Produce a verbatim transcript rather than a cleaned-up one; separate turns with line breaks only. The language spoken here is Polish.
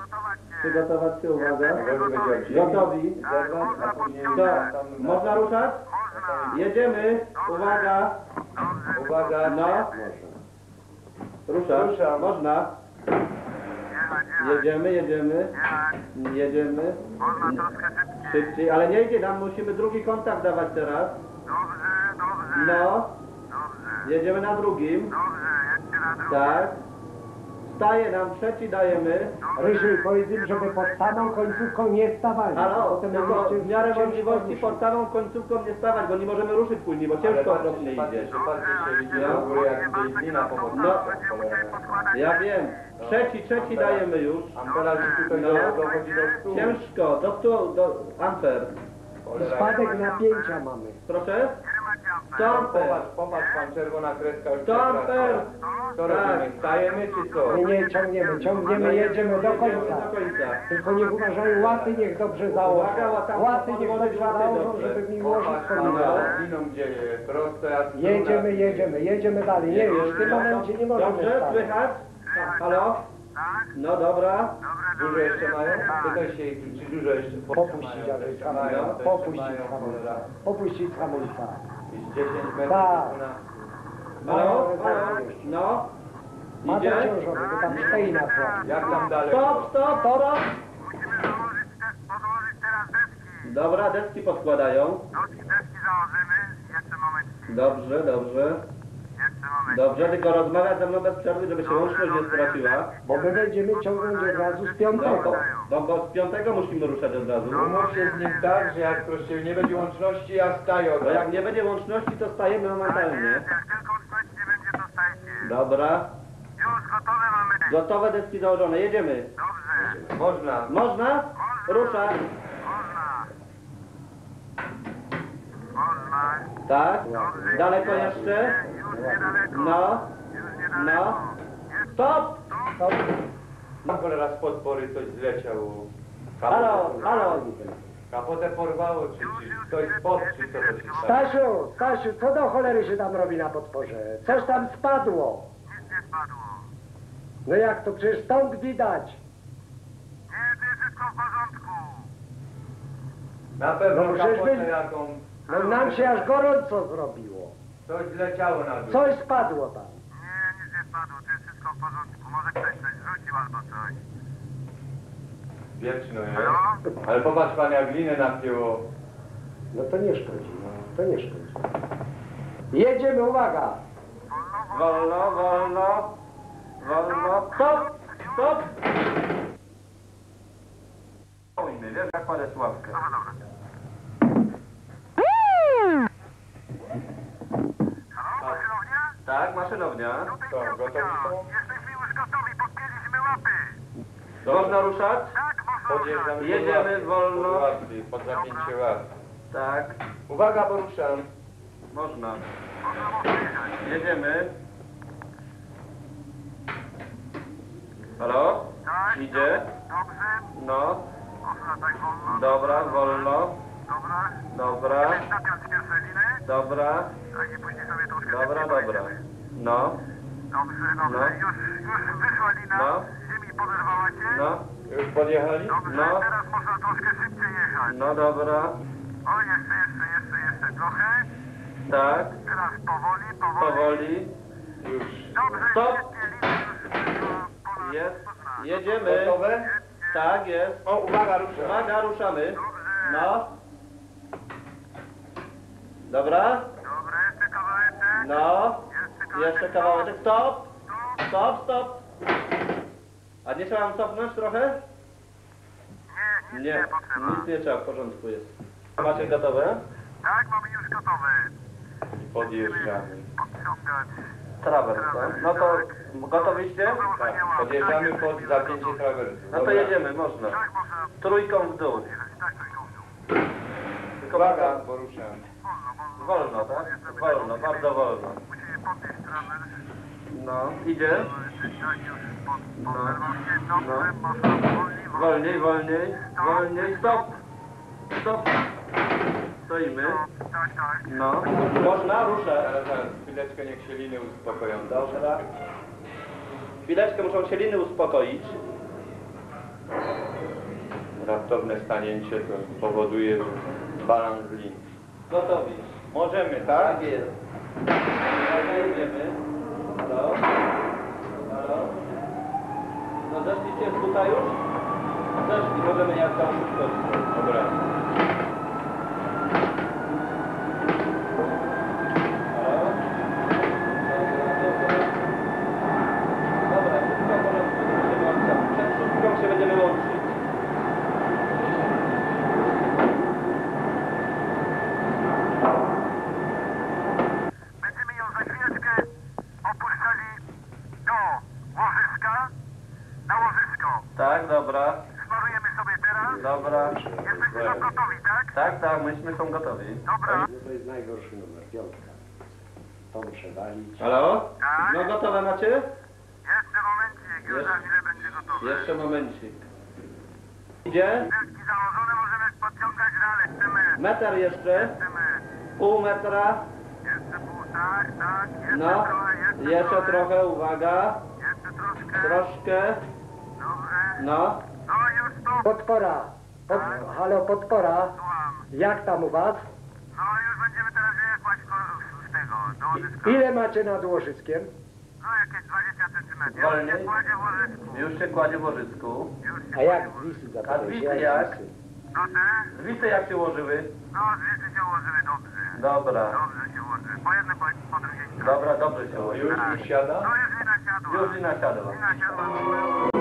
Przygotować się, uwaga. Gotowi. To, można ruszać? Jedziemy. Uwaga.
Uwaga.
No. Ruszam.
Ruszam.
Można. Jedziemy, jedziemy. Jedziemy. Szybciej, ale nie idzie nam, musimy drugi kontakt dawać teraz. No. Jedziemy na drugim. Tak. Staje nam, trzeci dajemy.
Ryży, powiedz im, żeby pod samą końcówką nie stawali.
Halo,
Potem
tylko
będziecie
w miarę
ciężko
możliwości
ruszyć.
pod samą końcówką nie stawać, bo nie możemy ruszyć później, bo ciężko okropnie idzie.
Patrzcie, się idzie do góry, jak tutaj glina pomocna.
No, ja wiem. Trzeci, trzeci dajemy już.
Amperaż tutaj
No.
dochodzi do stu.
Ciężko, do stu, do amper.
Spadek napięcia mamy.
Proszę? sto amper.
Popatrz, popatrz pan, czerwona kreska już
sto amper.
Co
Tak.
robimy? Stajemy czy co?
Nie, nie, ciągniemy, ciągniemy, jedziemy do
Jedziemy
końca.
do końca.
Tylko niech uważają, łaty niech dobrze założą.
Uwaga, łatami
Łaty niech
podłożyć
dobrze
łaty
założą,
dobrze.
żeby mi łożyć
Popatrz pan,
chodziło.
no, gliną gdzie jest, proste jak struna.
Jedziemy, jedziemy, jedziemy dalej. Nie, już w tym momencie nie możemy
Dobrze,
stać.
słychać? Halo? No dobra.
Dużo jeszcze mają? Pytaj się, czy dużo jeszcze
Popuścić, aby
mają,
hamulca.
to
Popuścić
jeszcze mają,
hamulca.
cholera.
Popuścić hamulca.
I z dziesięć metrów
Tak.
na...
Halo? Halo? No?
Ma
Idzie?
zaciążony, bo tam stoi na słabie.
Jak tam daleko?
Stop, stop, stop!
Musimy założyć, te, podłożyć teraz deski.
Dobra, deski podkładają.
Deski, deski założymy. Jeszcze moment.
Dobrze, dobrze.
Jeszcze moment.
Dobrze, tylko rozmawiać ze mną bez przerwy, żeby się łączność nie straciła.
Bo my będziemy ciągnąć od razu z
No,
piątego.
bo, bo z piątego musimy ruszać od razu.
Umów się z nim tak, że jak proszę, nie będzie łączności, ja staję od
Bo jak
razu.
nie będzie łączności, to stajemy momentalnie.
Jak tylko łączności nie będzie, to stajcie.
Dobra.
Już gotowe mamy.
Gotowe deski założone, jedziemy.
Dobrze.
Można.
Można? Ruszać.
Można. Można.
Tak. Daleko jeszcze?
Już niedaleko.
No.
Już niedaleko.
No. Stop!
Na cholera z podpory coś zleciał.
Halo, halo.
Kapotę porwało, czy, czy ktoś spod, czy co to się stało?
Stasiu, Stasiu, co do cholery się tam robi na podporze? Coś tam spadło.
Nic nie spadło.
No jak to? Przecież stąd widać.
Nie, to jest wszystko w porządku.
Na pewno
No, przecież
kapotę
wy-
jaką...
No nam się aż gorąco zrobiło.
Coś zleciało na dół.
Coś spadło tam.
Nie, nic nie spadło, to jest wszystko w porządku. Może ktoś coś rzucił albo coś.
Wieczno jest.
Halo?
Ale popatrz pan, jak glinę napięło.
No to nie szkodzi, no. To nie szkodzi. Jedziemy, uwaga.
Wolno, wolno. Wolno. Stop! Stop! Ojmy, wiesz jak kładę sławkę.
Dobra, dobra. Halo, maszynownia?
Tak, maszynownia.
Tutaj
Co,
piątka.
gotowi są?
Jesteśmy już gotowi, podpięliśmy łapy.
Można ruszać?
Tak, można ruszać.
Podjeżdżamy
Jedziemy
pod
wolno.
Pod, łapy, pod zapięcie łap.
Tak.
Uwaga, poruszam.
Można.
Można, można jechać.
Jedziemy. Halo?
Tak,
Idzie?
dobrze.
No.
Można tak wolno.
Dobra, wolno.
Dobra.
Dobra.
Napiąć pierwsze liny.
Dobra.
Tak, i później sobie troszkę
Dobra,
szybciej
dobra.
pojedziemy.
No.
Dobrze, dobrze.
No.
Już, już wyszła lina.
No.
Ziemi poderwała cię.
No.
Już podjechali?
Dobrze,
No.
teraz można troszkę szybciej jechać.
No dobra.
O, jeszcze, jeszcze, jeszcze, jeszcze trochę.
Tak.
Teraz powoli, powoli.
Powoli.
Już.
Dobrze,
Stop.
świetnie, liny już wyszła ponad
Jest.
ponad.
Jedziemy.
Gotowe?
Tak, jest.
O, uwaga, ruszam.
Uwaga, ruszamy.
Dobrze.
No. Dobra.
Dobra, jeszcze kawałeczek.
No.
Jeszcze kawałeczek.
Jeszcze kawałeczek. Stop.
Stop.
Stop, stop. A nie trzeba nam cofnąć trochę?
Nie, nic
Nie.
nie potrzeba.
Nic nie trzeba, w porządku jest. Macie gotowe?
Tak, mamy już gotowe.
Podjeżdżamy.
Podciągać.
Trawers, tak? No to gotowiście?
Tak, podjeżdżamy pod zapięcie trawersu.
No to
Dobra.
jedziemy, można.
Tak, można
Trójką w dół.
jechać. Tak, trójką w dół.
Tylko
Uwaga,
uwaga.
poruszam.
Wolno, wolno.
Wolno, tak? Wolno, bardzo wolno.
Musimy podnieść trawers.
No, idzie.
Tak, już pod,
No.
poderwał się. Dobrze,
No.
można wolniej,
Wolniej, wolniej, wolniej. Stop. Stop. Stoimy.
Tak, tak.
No. Można, ruszę.
Zaraz, zaraz, chwileczkę, niech się liny uspokoją.
Dobra. Chwileczkę, muszą się liny uspokoić.
Raptowne stanięcie to powoduje balans lin.
Gotowi.
Możemy, tak?
Tak jest. Dobra, jedziemy. Halo? Halo? No zeszliście tutaj już? Zeszli, możemy jak tam skoczyć.
Dobra.
Halo? Dobra, dobra. Dobra, wszystko w porządku. Będziemy odstąpić. Przed szóstką się będziemy łączyć.
Będziemy ją za chwileczkę opuszczali do łożyska, na łożysko.
Tak, dobra.
Smarujemy sobie teraz.
Dobra.
Jesteście już gotowi, tak?
Tak, tak, myśmy są gotowi.
Dobra.
No to jest najgorszy numer, piątka. To muszę walić.
Halo?
Tak?
No gotowe macie?
Jeszcze momencik, już za chwilę będzie gotowy.
Jeszcze momencik. Idzie?
Deski założone, możemy podciągać dalej. Chcemy,
Meter jeszcze?
chcemy.
Pół metra?
Jeszcze pół, tak, tak. Jeszcze
No.
trochę, jeszcze,
Jeszcze
trochę.
trochę, uwaga.
Jeszcze troszkę.
Troszkę.
Dobrze.
No.
No już stop.
Podpora. Pod, halo, podpora.
Słucham.
Jak tam u was?
No już będziemy teraz jechać ko- z tego, do łożyska.
Ile macie nad łożyskiem?
No jakieś dwadzieścia centymetrów.
Wolniej.
Już się kładzie w łożysku.
Już się kładzie w łożysku.
Już się
A jak
kładzie w łożysku.
zwisy
A
zapytałeś?
zwisy jak?
zwisy?
Proszę?
Zwisy jak się ułożyły?
No zwisy się ułożyły dobrze.
Dobra.
Dobrze się ułożyły. Po jednej, po, po drugiej stronie.
Dobra, dobrze się
Już,
ułożyły.
już siada?
No już wina siadła.
Już i nasiadła.
Wina siadła.